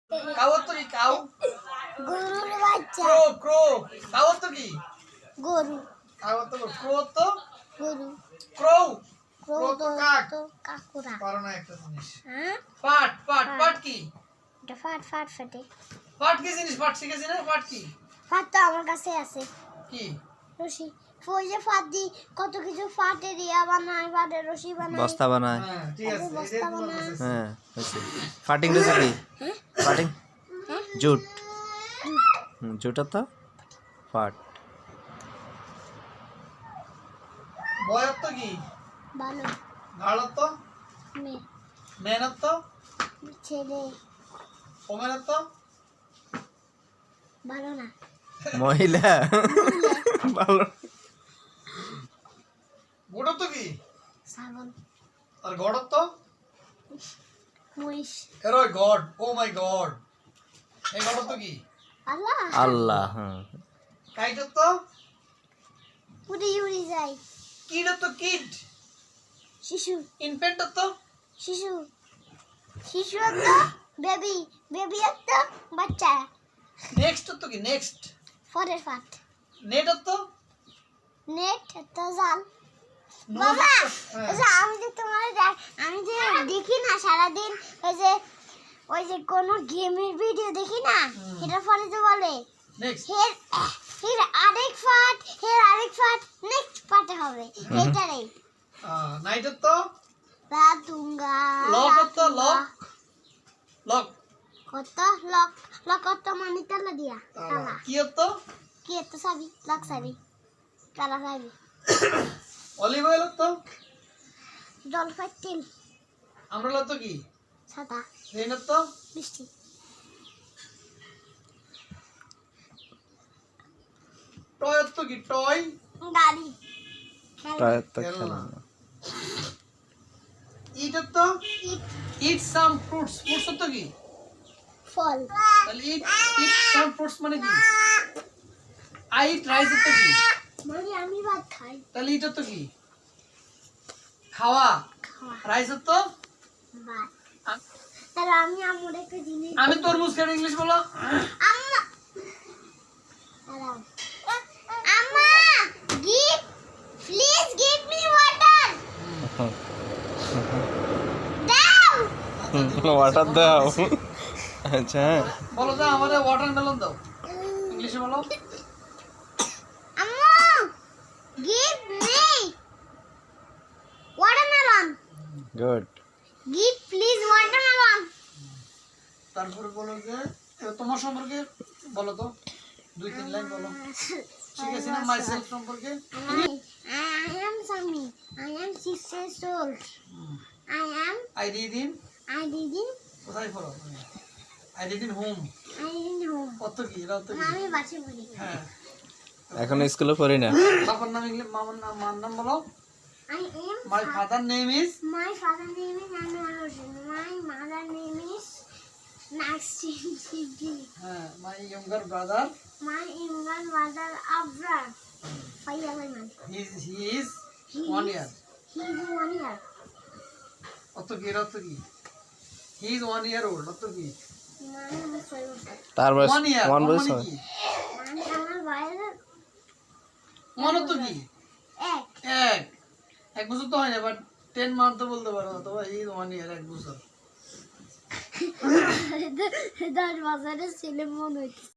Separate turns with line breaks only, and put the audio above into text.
Cow তো কি cow
গরুর বাচ্চা
ক্রো ক্রো কাউ তো কি
গরু
কাউ তো ক্রো তো
গরু
ক্রো
ক্রো
ক্রো তো কাক
তো কাকুরা
পারো না একটা জিনিস
হ্যাঁ
পাট পাট পাট কি
এটা ফাট ফাট ফাটে
পাট কি জিনিস পাট শিখেছি না পাট কি
ফাট তো আমার কাছে আছে
কি
রশি ওই যে ফাট দি কত কিছু ফাটে দিয়া বানায় ফাটে রশি বানায়
বস্তা বানায়।
হ্যাঁ ঠিক আছে
বস্তা
এই যে তোমার
বানায়।
কাছে
হ্যাঁ হয়েছে ফাটিং রয়েছে কি ফাটিং জুট জুটা তো ফাট
বয়স তো কি
ভালো
গাড়ত তো
মেয়ে
মেহনত তো
ছেলে
ওমেনত তো
ভালো না
মহিলা ভালো
গোড় তো কি
ছাগল
আর গড় তো
মহিষ
এরো গড ও মাই গড এই গড় তো কি
আল্লাহ
আল্লাহ হ্যাঁ
কাইট তো
উড়ি উড়ি যায়
কিড তো কিড
শিশু
ইনফেন্ট তো
শিশু শিশু তো বেবি বেবি তো বাচ্চা
নেক্সট তো কি নেক্সট
ফরের ফাট
নেট তো
নেট তো জাল
নোজ
বাবা
হ্যাঁ।
আচ্ছা, আমি যে দেখি না সারাদিন ওই যে কোনো গেমের ভিডিও দেখি না এটা পরে তো বলে
নেক্সট
হের আরেক ফাট নেক্সট পার্টে হবে এটারই
নাইট তো
রাতুঙ্গা
লক তো লক লক
কত লক লক কত মানে তালা দিয়া তালা
কি তো
কি এত সাবি লক সাবি তালা সাবি
অলিভ অয়েল তো
জলপাই তেল
আমরালা তো কি
সাদা
রেন তো
বৃষ্টি
টয় তো কি টয়
গাড়ি
টায়ার তো
খেলনা।
খেলনা
ইট তো
ইট
ইট সাম ফ্রুটস ফ্রুটস তো কি
ফল
তাহলে ইট ইট সাম ফ্রুটস মানে কি আই ইট রাইস তো কি
মানে আমি ভাত খাই
তাহলে ইট তো কি খাওয়া
খাওয়া
রাইস তো
ভাত
আ-
তাহলে আমি আমার একটা জিনিস
আমি তরমুজ খাই ইংলিশ বলো
আম্মা আম্মা give please give me water দাও
ওয়াটার দাও আচ্ছা হ্যাঁ
বলো তো আমাদের ওয়াটারমেলন দাও ইংলিশে বলো
আম্মু give me watermelon
good
give please watermelon
তারপরে বলো যে তোমার সম্পর্কে বলো তো 2-3 লাইন বলো শিখেছি না মাই সেলফ সম্পর্কে
I am Sami. I am 6 years old.
I read in
I didn't.
কোথায় পড়ো I read in home
I didn't know.
কত কি এটা তো কি
আমি বাসে পড়ি।
হ্যাঁ
এখন স্কুলে পড়ি না
বাবার নাম ইংলিশ মার নাম বলো
I am.
My father name is
My father name is Anwar Hossain. My mother name is Maxine Siddi.
হ্যাঁ my younger brother
My younger brother Abrar. 5 years old.
He is 1 year
He is 1 year.
কত কি এটা তো কি হি is 1 year old কত কি
My name is Sayur.
তার বয়স
1 ইয়ার
ওয়ান বয়স
মানে
হয়
কি
আমার বাইরে
মনে তো কি
এক
এক বছর তো হয় না বাট 10 মান্থ তো বলতে পারো অথবা হি ইজ 1 ইয়ার 1 বছর
10 বছরের ছেলে মনে হচ্ছে